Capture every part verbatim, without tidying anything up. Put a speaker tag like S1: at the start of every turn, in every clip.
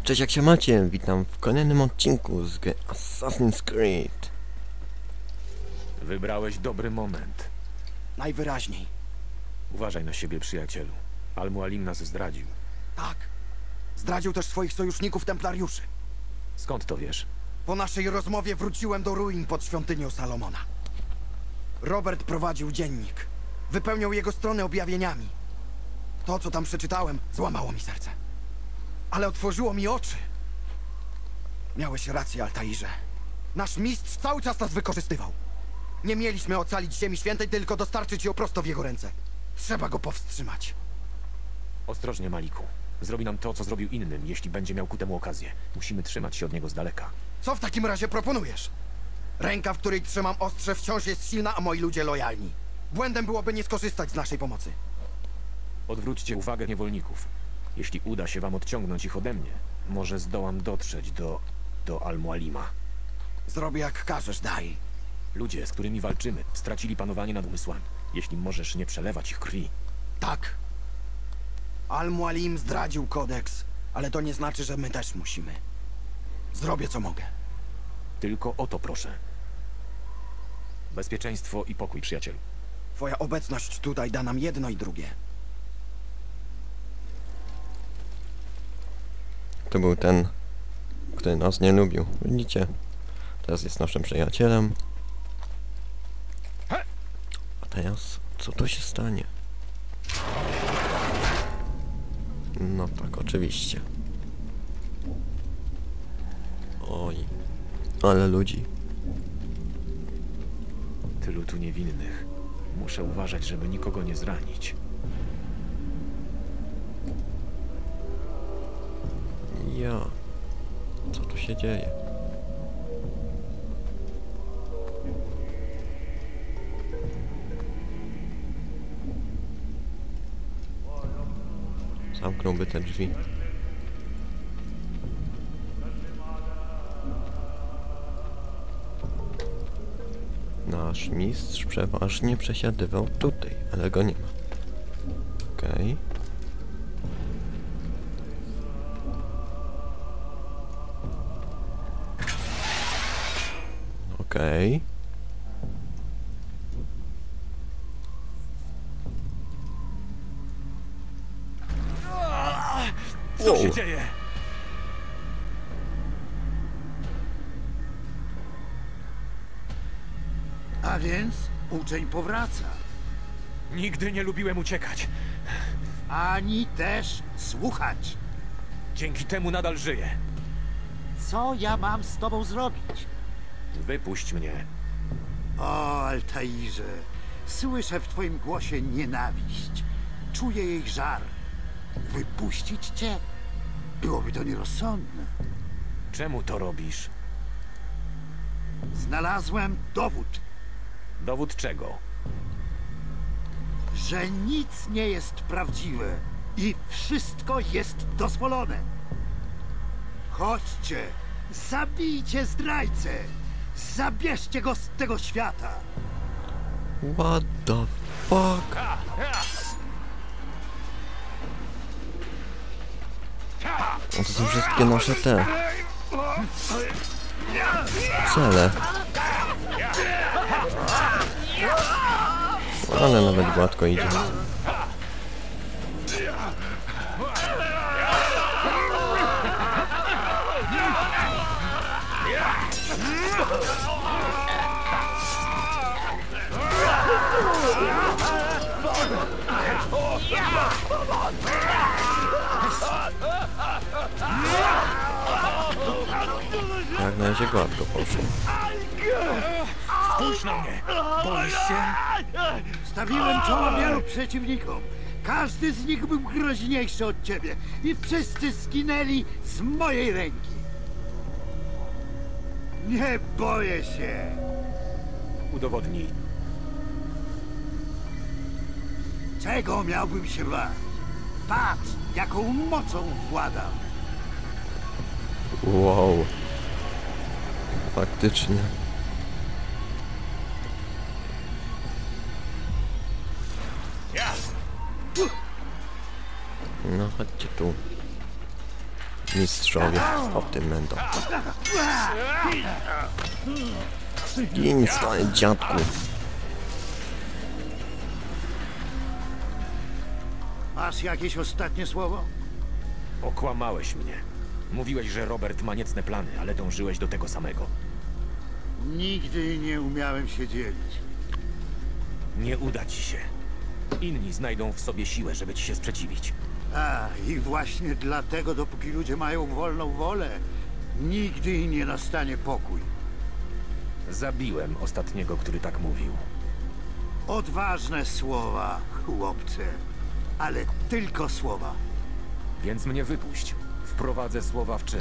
S1: Cześć, jak się macie? Witam w kolejnym odcinku z gry Assassin's Creed.
S2: Wybrałeś dobry moment.
S3: Najwyraźniej.
S2: Uważaj na siebie, przyjacielu. Al-Mualim nas zdradził.
S3: Tak. Zdradził też swoich sojuszników templariuszy.
S2: Skąd to wiesz?
S3: Po naszej rozmowie wróciłem do ruin pod świątynią Salomona. Robert prowadził dziennik. Wypełniał jego stronę objawieniami. To, co tam przeczytałem, złamało mi serce. Ale otworzyło mi oczy. Miałeś rację, Altairze. Nasz mistrz cały czas nas wykorzystywał. Nie mieliśmy ocalić Ziemi Świętej, tylko dostarczyć ją prosto w jego ręce. Trzeba go powstrzymać.
S2: Ostrożnie, Maliku. Zrobi nam to, co zrobił innym, jeśli będzie miał ku temu okazję. Musimy trzymać się od niego z daleka.
S3: Co w takim razie proponujesz? Ręka, w której trzymam ostrze, wciąż jest silna, a moi ludzie lojalni. Błędem byłoby nie skorzystać z naszej pomocy.
S2: Odwróćcie uwagę niewolników. Jeśli uda się wam odciągnąć ich ode mnie, może zdołam dotrzeć do... do Al-Mualima.
S3: Zrobię jak każesz, Daj.
S2: Ludzie, z którymi walczymy, stracili panowanie nad umysłami. Jeśli możesz nie przelewać ich krwi.
S3: Tak. Al-Mualim zdradził kodeks, ale to nie znaczy, że my też musimy. Zrobię, co mogę.
S2: Tylko o to proszę. Bezpieczeństwo i pokój, przyjacielu.
S3: Twoja obecność tutaj da nam jedno i drugie.
S1: To był ten, który nas nie lubił. Widzicie? Teraz jest naszym przyjacielem. A teraz, co tu się stanie? No tak, oczywiście. Oj, ale ludzi.
S2: Tylu tu niewinnych. Muszę uważać, żeby nikogo nie zranić.
S1: Ja. Co tu się dzieje? Zamknąłby te drzwi. Nasz mistrz przeważnie przesiadywał tutaj, ale go nie ma. Okej. Okay. Okej. Okay.
S2: Co się dzieje?
S4: A więc uczeń powraca.
S2: Nigdy nie lubiłem uciekać.
S4: Ani też słuchać.
S2: Dzięki temu nadal żyję.
S4: Co ja mam z tobą zrobić?
S2: Wypuść mnie.
S4: O, Altairze, słyszę w twoim głosie nienawiść. Czuję jej żar. Wypuścić cię? Byłoby to nierozsądne.
S2: Czemu to robisz?
S4: Znalazłem dowód,
S2: Dowód czego?
S4: że nic nie jest prawdziwe i wszystko jest dozwolone. Chodźcie, zabijcie zdrajcę. Zabierzcie go z tego świata.
S1: What the fuck? No to są wszystkie nasze te cele. Ale nawet gładko idzie. Jak na razie gładko poszło.
S2: Spójrz na mnie! Boisz się?
S4: Stawiłem czoła wielu przeciwnikom. Każdy z nich był groźniejszy od ciebie. I wszyscy zginęli z mojej ręki. Nie boję się.
S2: Udowodnij.
S4: Czego miałbym się bać? Patrz, jaką mocą władam.
S1: Wow. Faktycznie. No chodźcie tu. mistrzowie. O tym będą. Gin, stary dziadku.
S4: Masz jakieś ostatnie słowo?
S2: Okłamałeś mnie. Mówiłeś, że Robert ma niecne plany, ale dążyłeś do tego samego.
S4: Nigdy nie umiałem się dzielić.
S2: Nie uda ci się. Inni znajdą w sobie siłę, żeby ci się sprzeciwić.
S4: A, i właśnie dlatego, dopóki ludzie mają wolną wolę, nigdy nie nastanie pokój.
S2: Zabiłem ostatniego, który tak mówił.
S4: Odważne słowa, chłopcze. Ale tylko słowa.
S2: Więc mnie wypuść. Wprowadzę słowa w czyn.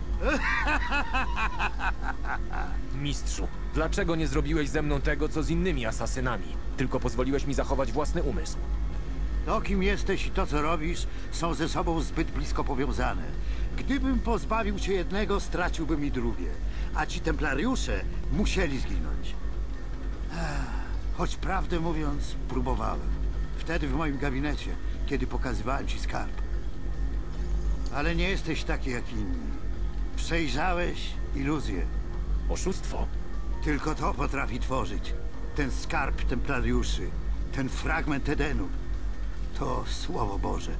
S2: Mistrzu, dlaczego nie zrobiłeś ze mną tego, co z innymi asasynami? Tylko pozwoliłeś mi zachować własny umysł.
S4: To, kim jesteś i to, co robisz, są ze sobą zbyt blisko powiązane. Gdybym pozbawił cię jednego, straciłbym i drugie. A ci templariusze musieli zginąć. Ech, choć prawdę mówiąc, próbowałem. Wtedy w moim gabinecie, kiedy pokazywałem ci skarb. Ale nie jesteś taki jak inni. Przejrzałeś iluzję.
S2: Oszustwo?
S4: Tylko to potrafi tworzyć. Ten skarb templariuszy, ten fragment Edenu. To Słowo Boże.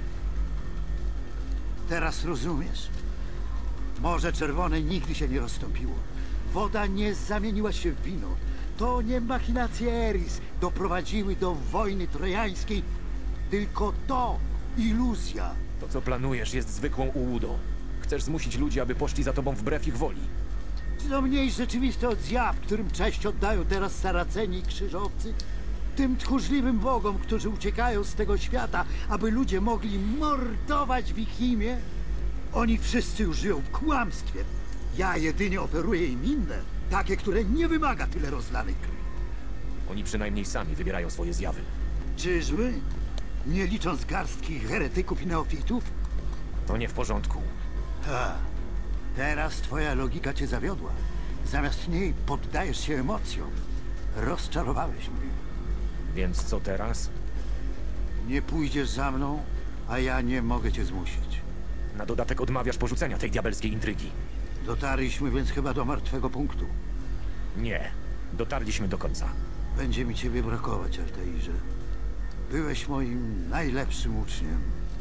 S4: Teraz rozumiesz? Morze Czerwone nigdy się nie rozstąpiło. Woda nie zamieniła się w wino. To nie machinacje Eris doprowadziły do wojny trojańskiej, tylko to iluzja.
S2: To, co planujesz, jest zwykłą ułudą. Chcesz zmusić ludzi, aby poszli za tobą wbrew ich woli.
S4: Co mniej rzeczywiste od zjaw, którym cześć oddają teraz Saraceni i krzyżowcy? Tym tchórzliwym bogom, którzy uciekają z tego świata, aby ludzie mogli mordować w ich imię? Oni wszyscy już żyją w kłamstwie. Ja jedynie oferuję im inne, takie, które nie wymaga tyle rozlanej krwi.
S2: Oni przynajmniej sami wybierają swoje zjawy.
S4: Czyżby? Nie licząc garstki heretyków i neofitów?
S2: To nie w porządku.
S4: Ha. Teraz twoja logika cię zawiodła. Zamiast niej poddajesz się emocjom. Rozczarowałeś mnie.
S2: Więc co teraz?
S4: Nie pójdziesz za mną, a ja nie mogę cię zmusić.
S2: Na dodatek odmawiasz porzucenia tej diabelskiej intrygi.
S4: Dotarliśmy więc chyba do martwego punktu.
S2: Nie. Dotarliśmy do końca.
S4: Będzie mi ciebie brakować, Altairze. Byłeś moim najlepszym uczniem.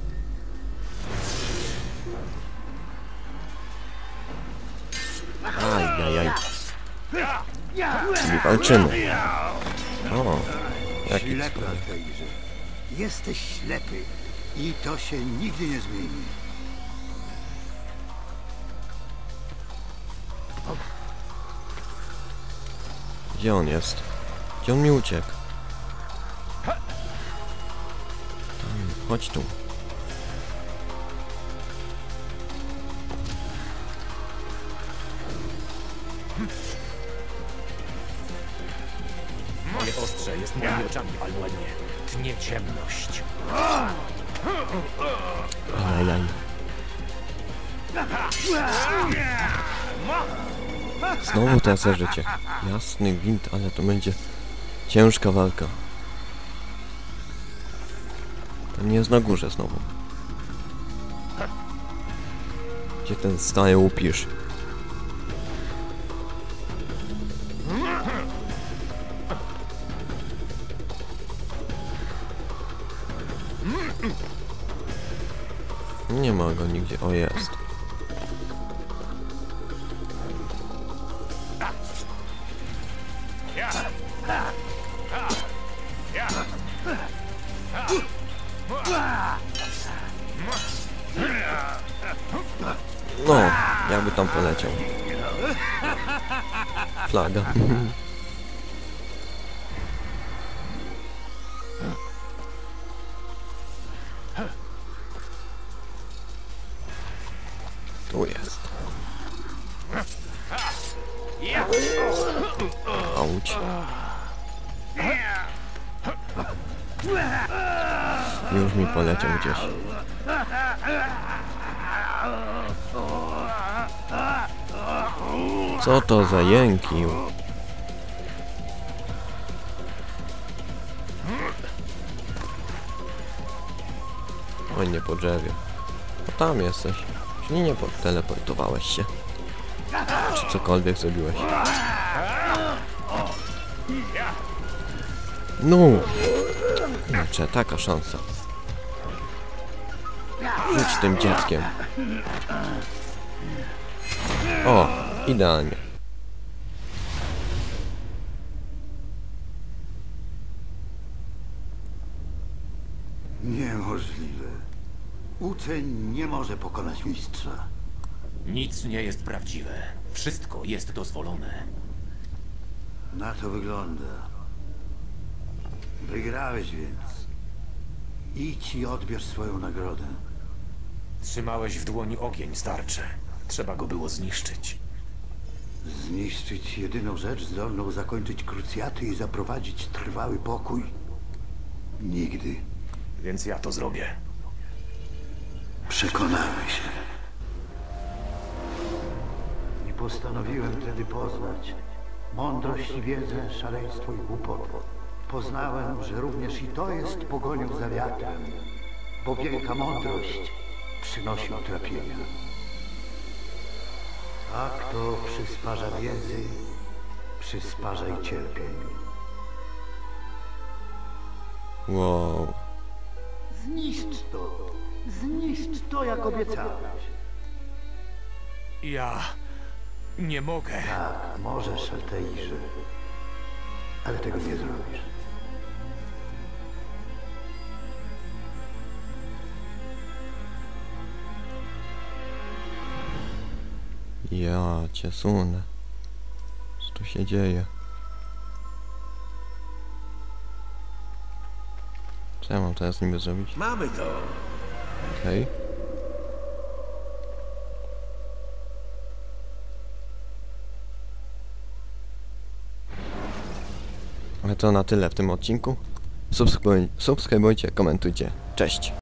S1: Ajajaj. Czyli walczymy. O, jaki
S4: Ślepy,
S1: cud.
S4: Altairze. Jesteś ślepy i to się nigdy nie zmieni.
S1: Gdzie on jest? Gdzie on mi uciekł? Tam, chodź tu.
S2: Moje ostrze jest moimi oczami, Almuenie. Tnie ciemność.
S1: Ajajaj. Znowu tracę życie. Jasny gwint, ale to będzie ciężka walka. Ten jest na górze znowu. Gdzie ten stary upisz? Nie ma go nigdzie. O, jest. No, jakby tam poleciał. Flaga. Tu jest. Auć. Już mi poleciał gdzieś. Co to za jęki? Oj, nie po drzewie. O, tam jesteś. Czyli nie teleportowałeś się. Czy cokolwiek zrobiłeś. No! Znaczy, taka szansa. Rzuć tym dzieckiem. O! Idealnie.
S4: Niemożliwe. Uczeń nie może pokonać mistrza.
S2: Nic nie jest prawdziwe. Wszystko jest dozwolone.
S4: Na to wygląda. Wygrałeś więc. Idź i odbierz swoją nagrodę.
S2: Trzymałeś w dłoni ogień, starcze. Trzeba go było zniszczyć.
S4: Zniszczyć jedyną rzecz zdolną zakończyć krucjaty i zaprowadzić trwały pokój? Nigdy.
S2: Więc ja to zrobię.
S4: Przekonamy się. I postanowiłem wtedy poznać mądrość i wiedzę, szaleństwo i głupotę. Poznałem, że również i to jest pogonią za wiatrem, bo wielka mądrość przynosi utrapienia. A kto przysparza wiedzy, przysparza i cierpień.
S1: Wow.
S4: Zniszcz to! Zniszcz to, jak obiecałeś.
S2: Ja... nie mogę.
S4: Tak, możesz, Altairze. Ale tego nie zrobisz.
S1: Ja cię sunę. Co tu się dzieje? Co ja mam teraz z nim zrobić?
S5: Mamy to.
S1: Okej. Ale to na tyle w tym odcinku. Subskrybuj, subskrybujcie, komentujcie. Cześć!